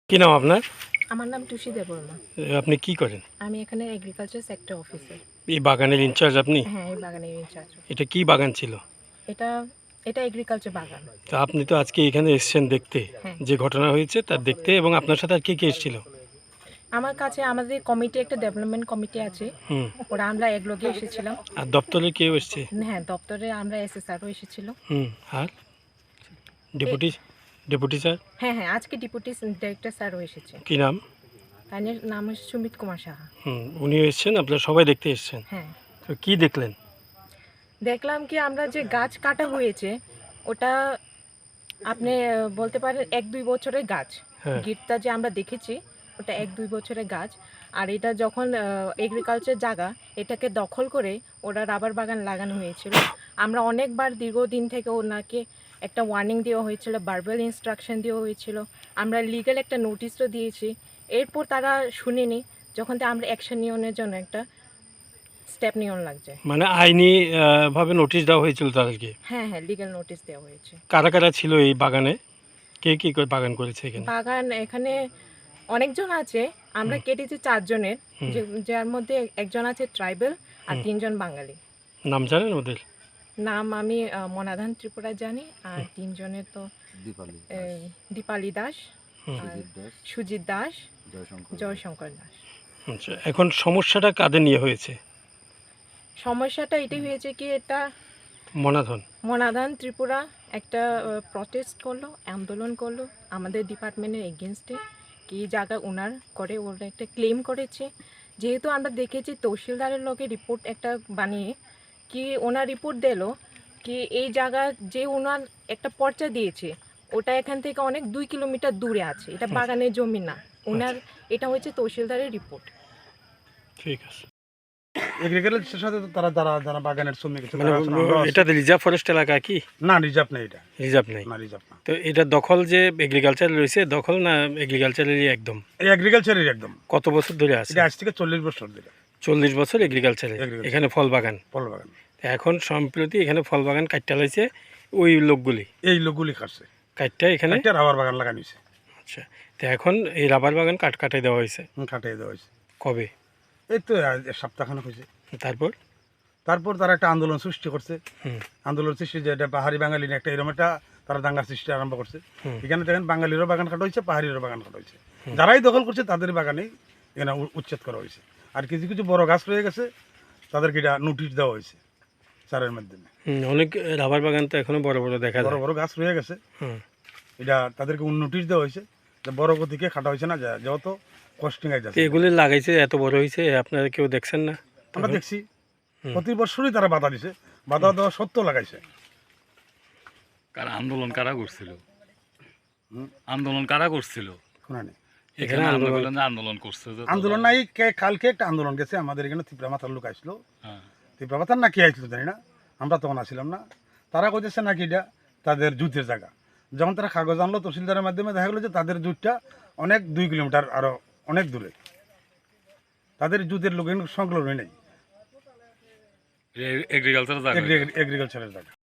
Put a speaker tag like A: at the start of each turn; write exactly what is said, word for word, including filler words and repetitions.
A: কি নাম আপনার?
B: আমার নাম টুসি দেববর্মা।
A: আপনি কি করেন?
B: আমি এখানে এগ্রিকালচার সেক্টর অফিসার।
A: এই বাগানের ইনচার্জ আপনি?
B: হ্যাঁ, এই বাগানের ইনচার্জ।
A: এটা কি বাগান ছিল?
B: এটা এটা এগ্রিকালচার বাগান।
A: তা আপনি তো আজকে এখানে এসেছেন দেখতে,
B: হ্যাঁ।
A: যে ঘটনা হয়েছে তার দেখতে, এবং আপনার সাথে আর কে কে এসেছিল?
B: আমার কাছে আমাদের কমিটি একটা ডেভেলপমেন্ট কমিটি আছে,
A: হুম।
B: ওরা আমরা একলগে এসেছিলাম।
A: আর দপ্তরে কেউ এসছে?
B: হ্যাঁ, দপ্তরে আমরা এসএসআরও এসেছিল।
A: হুম। আর ডেপুটি ডেপুটি স্যার?
B: হ্যাঁ হ্যাঁ আজকে ডেপুটি ডাইরেক্টর স্যারও এসেছে।
A: কি নাম?
B: তার নাম হচ্ছে সুমিত কুমার সাহা।
A: হুম, উনিও এসছেন, আপনারা সবাই দেখতে এসছেন।
B: হ্যাঁ,
A: তো কি দেখলেন?
B: দেখলাম কি আমরা যে গাছ কাটা হয়েছে ওটা আপনি আহ, বলতে পারেন এক দুই বছরের গাছ।
A: হ্যাঁ।
B: গিটটা যে আমরা দেখেছি ওটা এক দুই বছরের গাছ। আর এটা যখন এগ্রিকালচার জায়গা এটাকে দখল করে ওরা রাবার বাগান লাগানো হয়েছিল। আমরা অনেকবার দীর্ঘদিন থেকে ওনাকে একটা ওয়ার্নিং দেওয়া হয়েছিল, ভার্বাল ইনস্ট্রাকশন দেওয়া হয়েছিল, আমরা লিগ্যাল একটা নোটিশও দিয়েছি। এরপর তারা শুনেনি, যখন তো আমরা অ্যাকশন নেওয়ার জন্য একটা স্টেপ নেওয়ার লাগছে।
A: মানে আইনি আহ, ভাবে নোটিশ দেওয়া হয়েছিল তাদেরকে?
B: হ্যাঁ হ্যাঁ লিগ্যাল নোটিশ দেওয়া হয়েছে।
A: কারা কারা ছিল এই বাগানে? কে কি করে বাগান করেছে এখানে?
B: বাগান এখানে অনেকজন আছে, আমরা কেটেছি চারজনের,
A: হুম।
B: যে যার মধ্যে একজন আছে ট্রাইবেল আর
A: হুম।
B: তিনজন বাঙালি।
A: নাম জানেন ওদের?
B: নাম আমি আহ, মনাধান ত্রিপুরা জানি, আর তিনজনের তো
C: দীপালি
B: এ, দীপালি দাস,
A: হুম।
B: আর
C: সুজিত দাস,
B: সুজিত দাস,
C: জয়শঙ্কর
B: জয়শঙ্কর দাস।
A: আচ্ছা, এখন সমস্যাটা কাদের নিয়ে হয়েছে?
B: সমস্যাটা এটাই হয়েছে কি, এটা
A: মনাধন?
B: মনাধান ত্রিপুরা একটা প্রটেস্ট করলো, আন্দোলন করলো আমাদের ডিপার্টমেন্টের এগেনস্টে, কি জায়গা ওনার করে ওরা একটা ক্লেম করেছে। যেহেতু আমরা দেখেছি তহসিলদারের লগে রিপোর্ট একটা বানিয়ে কি ওনার রিপোর্ট দিল কি এই জায়গা যে ওনার একটা পর্চা দিয়েছে ওটা এখান থেকে অনেক দুই কিলোমিটার দূরে আছে, এটা বাগানের জমি না ওনার, এটা হচ্ছে তহসিলদারের রিপোর্ট।
A: ঠিক আছে।
D: এগ্রিকালচারের সাথে তো তারা যারা যারা বাগানের শ্রমিক আছে,
A: মানে
D: তারা আছে না, আমরাও আছি।
A: এটা রিজার্ভ ফরেস্ট এলাকা কি?
D: না, রিজার্ভ নেই, এটা
A: রিজার্ভ নেই?
D: না, রিজার্ভ না।
A: তো এটা দখল যে এগ্রিকালচার রয়েছে, দখল না এগ্রিকালচারেরই একদম?
D: এই এগ্রিকালচারের একদম।
A: কত বছর ধরে আছে?
D: এটা আজ থেকে চল্লিশ বছর ধরে
A: চল্লিশ বছর এগ্রিকালচারে,
D: Agriculture।
A: এখানে ফল বাগান।
D: ফল বাগান।
A: এখন সম্প্রতি এখানে ফল বাগান কাটতে লাইছে ওই লোকগুলি,
D: এই লোকগুলি খাচ্ছে,
A: কাটটা এখানে।
D: একটা রাবার বাগান লাগানো হয়েছে।
A: আচ্ছা, তো এখন এই রাবার বাগান কাট কাটাই দেওয়া হয়েছে
D: হুম, কাটিয়ে দেওয়া হয়েছে।
A: কবে?
D: এই তো আজ সপ্তাহখানেক হয়েছে।
A: তারপর?
D: তারপর তারা একটা আন্দোলন সৃষ্টি করছে।
A: হুম।
D: আন্দোলন সৃষ্টি যে এটা পাহাড়ি বাঙালি না, একটা এরকম একটা তারা দাঙ্গা সৃষ্টি আরম্ভ করছে।
A: হুম।
D: এখানে দেখেন বাঙালিরও বাগান কাটা হয়েছে, পাহাড়িরও বাগান কাটা হয়েছে। যারাই দখল করছে তাদের বাগানেই এখানে উ- উচ্ছেদ করা হয়েছে। আর কিছু কিছু বড় গাছ রয়ে গেছে, তাদেরকে এটা নোটিশ দেওয়া হয়েছে স্যারের মাধ্যমে।
A: হুম, অনেক রাবার বাগান তো এখনো বড় বড় দেখা
D: বড়
A: যায়।
D: বড় গাছ রয়ে গেছে,
A: হুম।
D: এটা তাদেরকে নোটিশ দেওয়া হয়েছে যে বড় গতিকে খাটা হয়েছে না, যা- যেহেতু কস্টিং আই
A: তো
D: যাচ্ছে।
A: এগুলি লাগাইছে এত বড় হয়েছে, আপনারা কেউ দেখছেন না?
D: আমরা দেখছি
A: হুম।
D: প্রতি বছরই তারা বাধা দিছে, বাধা দেওয়া সত্ত্বেও লাগাইছে।
C: কারা আন্দোলন কারা করছিল?
D: হুম।
C: আন্দোলন কারা করছিল?
D: শোনা নেই
C: এখানে
A: আন্দোলন-
C: আমরা বললাম যে আন্দোলন করছে যে
D: আন্দোলন নাই, কে- কালকে একটা আন্দোলন গেছে আমাদের এখানে, ত্রিপুরা মাথার লোক আসলো,
C: হ্যাঁ।
D: ত্রিপুরা মাথার না কে আসলো জানি না, আমরা তখন আসছিলাম না। তারা কইতেছে নাকি এটা তাদের জুতের জায়গা। যখন তারা কাগজ আনলো তহসিলদারের মাধ্যমে, দেখা গেলো যে তাদের জুতটা অনেক দুই কিলোমিটার আরো অনেক দূরে, তাদের জুতের লোক সংলগ্ন নেই
C: এগ্রিকালচার জায়গা।
D: এগ্রিকালচারের জায়গা।